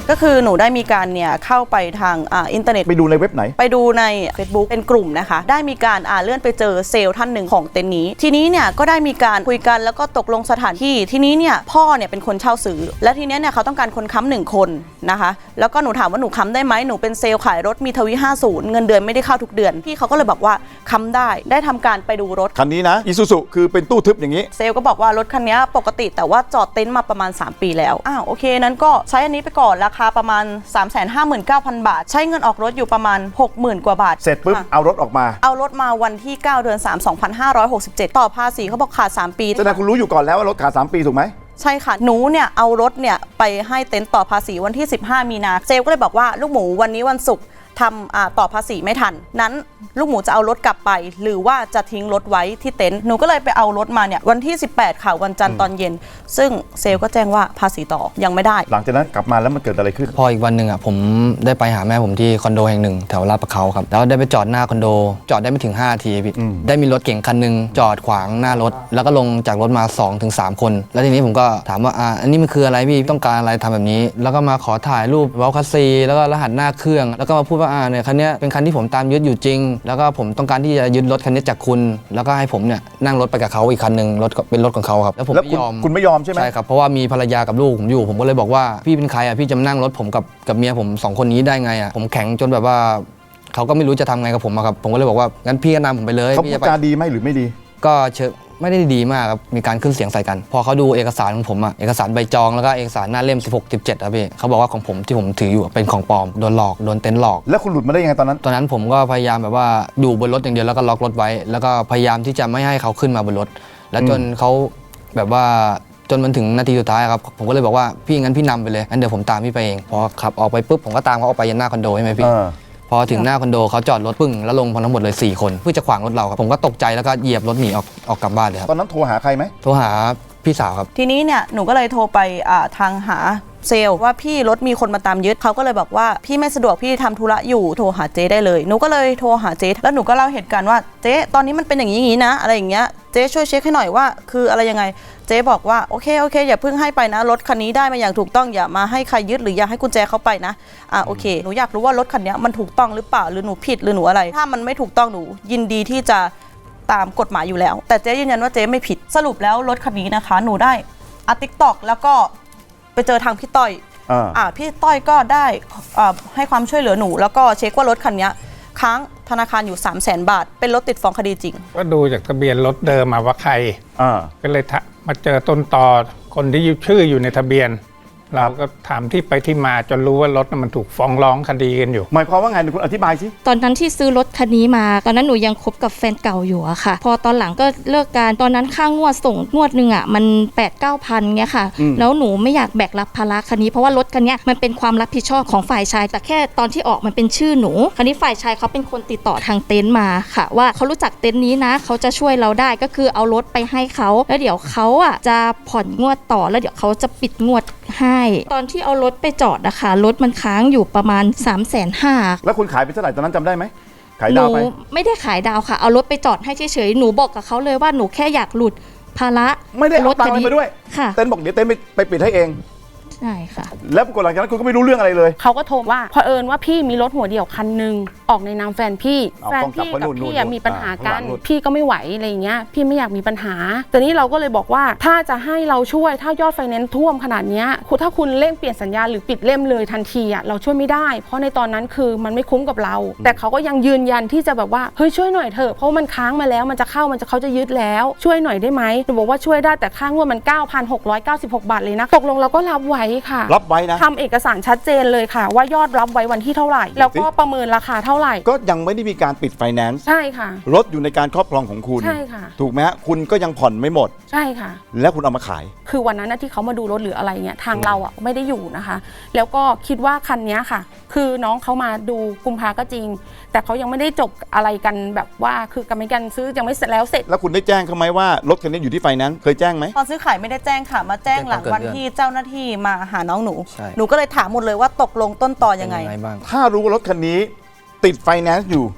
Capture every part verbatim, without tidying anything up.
ก็คือหนูได้มีการเนี่ยเข้าไปทางอ่าอินเทอร์เน็ตไปดูในเว็บไหนไปดูใน Facebook เป็นกลุ่มนะคะได้มีการอ่าเลื่อนไปเจอเซลล์ท่านหนึ่งของเต็นท์นี้ทีนี้เนี่ยก็ได้มีการคุยกันแล้วก็ตกลงสถานที่ทีนี้เนี่ยพ่อเนี่ยเป็นคนเช่าซื้อและทีนี้เนี่ยเขาต้องการคนค้ำหนึ่งคนนะคะแล้วก็หนูถามว่าหนูค้ำได้ไหมหนูเป็นเซลล์ขายรถมีทวีห้าสิบเงินเดือนไม่ได้เข้าทุกเดือนพี่เขาก็เลยบอกว่าค้ำได้ได้ทำการไปดูรถคันนี้นะอีซูซุคือเป็นตู้ทึบอย่างนี้เซลล์ก็บอกว่ารถคันนี้ปกติแต่ว่าจอดเต็นท์มาประมาณสามปีแล้วอ้าวโอเคนั้นก็ใช้อันนี้ไปก่อนราคาประมาณ สามแสนห้าหมื่นเก้าพัน บาทใช้เงินออกรถอยู่ประมาณ หกหมื่น กว่าบาทเสร็จปุ๊บเอารถออกมาเอารถมาวันที่เก้าเดือนสาม สองพันห้าร้อยหกสิบเจ็ดต่อภาษีเขาบอกขาดสามปีแสดงคุณรู้อยู่ก่อนแล้วว่ารถขาดสามปีถูกไหมใช่ค่ะหนูเนี่ยเอารถเนี่ยไปให้เต็นท์ต่อภาษีวันที่สิบห้ามีนาเซลก็เลยบอกว่าลูกหมูวันนี้วันศุกร์ทำต่อภาษีไม่ทันนั้นลูกหมูจะเอารถกลับไปหรือว่าจะทิ้งรถไว้ที่เต็นท์หนูก็เลยไปเอารถมาเนี่ยวันที่สิบแปดค่ะวันจันทร์ตอนเย็นซึ่งเซลก็แจ้งว่าภาษีต่อยังไม่ได้หลังจากนั้นกลับมาแล้วมันเกิดอะไรขึ้นพออีกวันหนึ่งอ่ะผมได้ไปหาแม่ผมที่คอนโดแห่งหนึ่งแถวลาดประเขาครับแล้วได้ไปจอดหน้าคอนโดจอดได้ไม่ถึงห้านาทีพี่ได้มีรถเก๋งคันนึงจอดขวางหน้ารถแล้วก็ลงจากรถมา สองถึงสาม คนแล้วทีนี้ผมก็ถามว่าอ่าอันนี้มันคืออะไรพี่ต้องการอะไรทำแบบนี้แล้วก็มาขอถ่ายรูปวอลคัสซีแล้วก็รหัสหน้าเครื่องแล้วก็มาพูดว่าอ่าเนี่ยคันนี้เป็นคันที่ผมตามยึดอยู่จริงแล้วก็ผมต้องการที่จะยึดรถคันนี้จากคุณแล้วก็ให้ผมเนี่ยนั่งรถไปกับเขาอีกคันนึงรถเป็นรถของเขาครับแล้วผมไม่ยอมคุณไม่ยอมใช่ไหมใช่ครับเพราะว่ามีภรรยากับลูกผมอยู่ผมก็เลยบอกว่าพี่เป็นใครอ่ะพี่จะมานั่งรถผมกับกับเมียผมสองคนนี้ได้ไงอ่ะผมแข็งจนแบบว่าเขาก็ไม่รู้จะทำไงกับผมครับผมก็เลยบอกว่างั้นพี่ก็นำผมไปเลยเขาพูดจาดีไหมหรือไม่ดีก็เชิญไม่ได้ดีมากครับมีการขึ้นเสียงใส่กันพอเขาดูเอกสารของผมอะเอกสารใบจองแล้วก็เอกสารหน้าเล่มสิบหก สิบเจ็ดครับพี่เขาบอกว่าของผมที่ผมถืออยู่เป็นของปลอมโดนหลอกโดนเต็นท์หลอกแล้วคุณหลุดมาได้ยังไงตอนนั้นตอนนั้นผมก็พยายามแบบว่าอยู่บนรถอย่างเดียวแล้วก็ล็อกรถไว้แล้วก็พยายามที่จะไม่ให้เขาขึ้นมาบนรถแล้วจนเขาแบบว่าจนมันถึงนาทีสุดท้ายครับผมก็เลยบอกว่าพี่งั้นพี่นำไปเลยงั้นเดี๋ยวผมตามพี่ไปเองพอขับออกไปปุ๊บผมก็ตามเขาออกไปยันหน้าคอนโดใช่ไหมพี่พอถึงหน้าคอนโดเขาจอดรถปึ้งแล้วลงพอทั้งหมดเลยสี่คนเพื่อจะขวางรถเราครับผมก็ตกใจแล้วก็เหยียบรถหนีออกออกกลับบ้านเลยครับตอนนั้นโทรหาใครไหมโทรหาพี่สาวครับทีนี้เนี่ยหนูก็เลยโทรไปทางหาเซลล์ว่าพี่รถมีคนมาตามยึดเขาก็เลยบอกว่าพี่ไม่สะดวกพี่ทำธุระอยู่โทรหาเจ๊ได้เลยหนูก็เลยโทรหาเจ๊แล้วหนูก็เล่าเหตุการณ์ว่าเจ๊ตอนนี้มันเป็นอย่างนี้อย่างนี้นะอะไรอย่างเงี้ยเจ๊ช่วยเช็คให้หน่อยว่าคืออะไรยังไงเจ๊บอกว่าโอเคโอเคอย่าเพิ่งให้ไปนะรถคันนี้ได้มาอย่างถูกต้องอย่ามาให้ใครยึดหรืออย่าให้กุญแจเขาไปนะอ่ะโอเคหนูอยากรู้ว่ารถคันนี้มันถูกต้องหรือเปล่าหรือหนูผิดหรือหนูอะไรถ้ามันไม่ถูกต้องหนูยินดีที่จะตามกฎหมายอยู่แล้วแต่เจ๊ยืนยันว่าเจ๊ไม่ผิดสรุปแล้วรถคันนี้นะคะหนูได้อัดติ๊กต็อกแล้วก็ไปเจอทางพี่ต้อยอ่าพี่ต้อยก็ได้อ่าให้ความช่วยเหลือหนูแล้วก็เช็คว่ารถคันนี้ค้างธนาคารอยู่ สามแสน บาทเป็นรถติดฟ้องคดีจริงก็ดูจากทะเบียนรถเดิมมาว่าใครก็เลยมาเจอต้นตอคนที่ชื่ออยู่ในทะเบียนเราก็ถามที่ไปที่มาจนรู้ว่ารถมันถูกฟ้องร้องคดีกันอยู่หมายความว่าไงคุณอธิบายสิตอนนั้นที่ซื้อรถคันนี้มาตอนนั้นหนูยังคบกับแฟนเก่าอยู่อะค่ะพอตอนหลังก็เลิกกันตอนนั้นค่างวดส่งงวดหนึ่งอะมัน แปด เก้า พันเงี้ยค่ะแล้วหนูไม่อยากแบกรับภาระคันนี้เพราะว่ารถคันนี้มันเป็นความรับผิดชอบของฝ่ายชายแต่แค่ตอนที่ออกมันเป็นชื่อหนูคันนี้ฝ่ายชายเขาเป็นคนติดต่อทางเต็นท์มาค่ะว่าเขารู้จักเต็นท์นี้นะเขาจะช่วยเราได้ก็คือเอารถไปให้เขาแล้วเดี๋ยวเขาอะจะผ่อนงวดต่อแล้วเดี๋ยวเขาจะปิดงวดให้ตอนที่เอารถไปจอดนะคะรถมันค้างอยู่ประมาณ สามแสนห้าแล้วคุณขายไปเท่าไหร่ตอนนั้นจำได้ไหมขายดาวไปไม่ได้ขายดาวค่ะเอารถไปจอดให้เฉยๆหนูบอกกับเขาเลยว่าหนูแค่อยากหลุดภาระไม่ได้เอาตังค์ไปด้วยค่ะเต้นบอกเดี๋ยวเต้นไปปิดให้เองใช่ค่ะแล้วปรากฏหลังจากนั้นคุณก็ไม่รู้เรื่องอะไรเลยเขาก็โทรว่าพอเอิญว่าพี่มีรถหัวเดี่ยวคันนึงออกในนามแฟนพี่แฟนพี่กับพี่มีปัญหากันพี่ก็ไม่ไหวอะไรเงี้ยพี่ไม่อยากมีปัญหาแต่นี้เราก็เลยบอกว่าถ้าจะให้เราช่วยถ้ายอดไฟแนนซ์ท่วมขนาดนี้คุณถ้าคุณเร่งเปลี่ยนสัญญาหรือปิดเล่มเลยทันทีอ่ะเราช่วยไม่ได้เพราะในตอนนั้นคือมันไม่คุ้มกับเราแต่เขาก็ยังยืนยันที่จะแบบว่าเฮ้ยช่วยหน่อยเถอะเพราะมันค้างมาแล้วมันจะเข้ามันจะเขาจะยึดแล้วช่วยหน่อยได้ไหมหนูบอกว่าช่วยได้แต่ค่างวดมัน เก้าพันหกร้อยเก้าสิบหก บาทเลยนะตกลงเราก็รับไว้ค่ะรับไว้นะทำเอกสารชัดเจนเลยค่ะว่ายอดรับไว้วันที่เท่าไหร่แล้วก็ประเมินราคาเท่าไหร่ก็ยังไม่ได้มีการปิดไฟแนนซ์ใช่ค่ะรถอยู่ในการครอบครองของคุณใช่ค่ะถูกไหมฮะคุณก็ยังผ่อนไม่หมดใช่ค่ะแล้วคุณเอามาขายคือวันนั้นที่เขามาดูรถหรืออะไรเงี้ยทางเราอ่ะไม่ได้อยู่นะคะแล้วก็คิดว่าคันนี้ค่ะคือน้องเขามาดูกุมภาก็จริงแต่เขายังไม่ได้จบอะไรกันแบบว่าคือกรรมการซื้อยังไม่เสร็จแล้วเสร็จแล้วคุณได้แจ้งเขาไหมว่ารถคันนี้อยู่ที่ไฟแนนซ์เคยแจ้งไหมตอนซื้อขายไม่ได้แจ้งค่ะมาแจ้งหลังวันที่เจ้าหน้าที่มาหาน้องหนูหนูก็เลยถามหมดเลยว่าตกลงต้นตอยังไงถ้ารู้ว่ารถคันนี้ติดไฟแนนซ์อยู่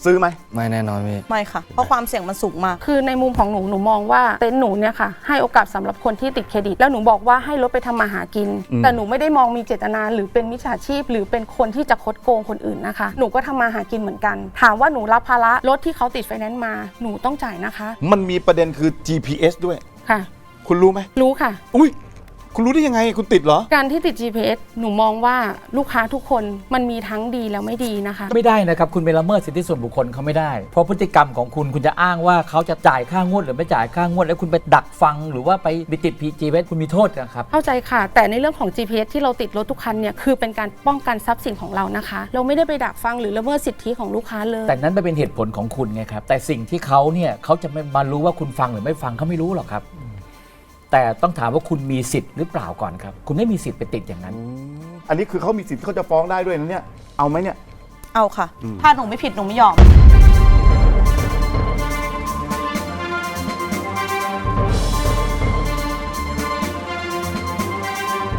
ซื้อไหมไม่แน่นอนพี่ไม่ค่ะ เพราะความเสี่ยงมันสูงมากคือในมุมของหนูหนูมองว่าเต็นท์หนูเนี่ยค่ะให้โอกาสสำหรับคนที่ติดเครดิตแล้วหนูบอกว่าให้รถไปทำมาหากิน แต่หนูไม่ได้มองมีเจตนาหรือเป็นมิจฉาชีพ หรือเป็นคนที่จะคดโกงคนอื่นนะคะหนูก็ทำมาหากินเหมือนกันถามว่าหนูรับภาระรถที่เขาติดไฟแนนซ์มาหนูต้องจ่ายนะคะมันมีประเด็นคือ จี พี เอส ด้วยค่ะคุณรู้ไหมรู้ค่ะอุ้ยคุณรู้ได้ยังไงคุณติดเหรอการที่ติด จี พี เอส หนูมองว่าลูกค้าทุกคนมันมีทั้งดีแล้วไม่ดีนะคะไม่ได้นะครับคุณไปละเมิดสิทธิส่วนบุคคลเขาไม่ได้เพราะพฤติกรรมของคุณคุณจะอ้างว่าเขาจะจ่ายค่างวดหรือไม่จ่ายค่างวดแล้วคุณไปดักฟังหรือว่าไปไปติด พี จี พี เอส คุณมีโทษนะครับเข้าใจค่ะ แต่ในเรื่องของ จี พี เอส ที่เราติดรถทุกคันเนี่ยคือเป็นการป้องกันทรัพย์สินของเรานะคะ เราไม่ได้ไปดักฟังหรือละเมิดสิทธิของลูกค้าเลยแต่นั้นไม่เป็นเหตุผลของคุณไงครับแต่สิ่งที่เขาเนี่ยเขาจะไม่มารู้ว่าคุณฟังหรือไม่ฟังเขาไม่รู้หรอกครับแต่ต้องถามว่าคุณมีสิทธิ์หรือเปล่าก่อนครับคุณไม่มีสิทธิ์ไปติดอย่างนั้นอันนี้คือเขามีสิทธิ์ที่เขาจะฟ้องได้ด้วยนะเนี่ยเอาไหมเนี่ยเอาค่ะอืมถ้าหนูไม่ผิดหนูไม่ยอม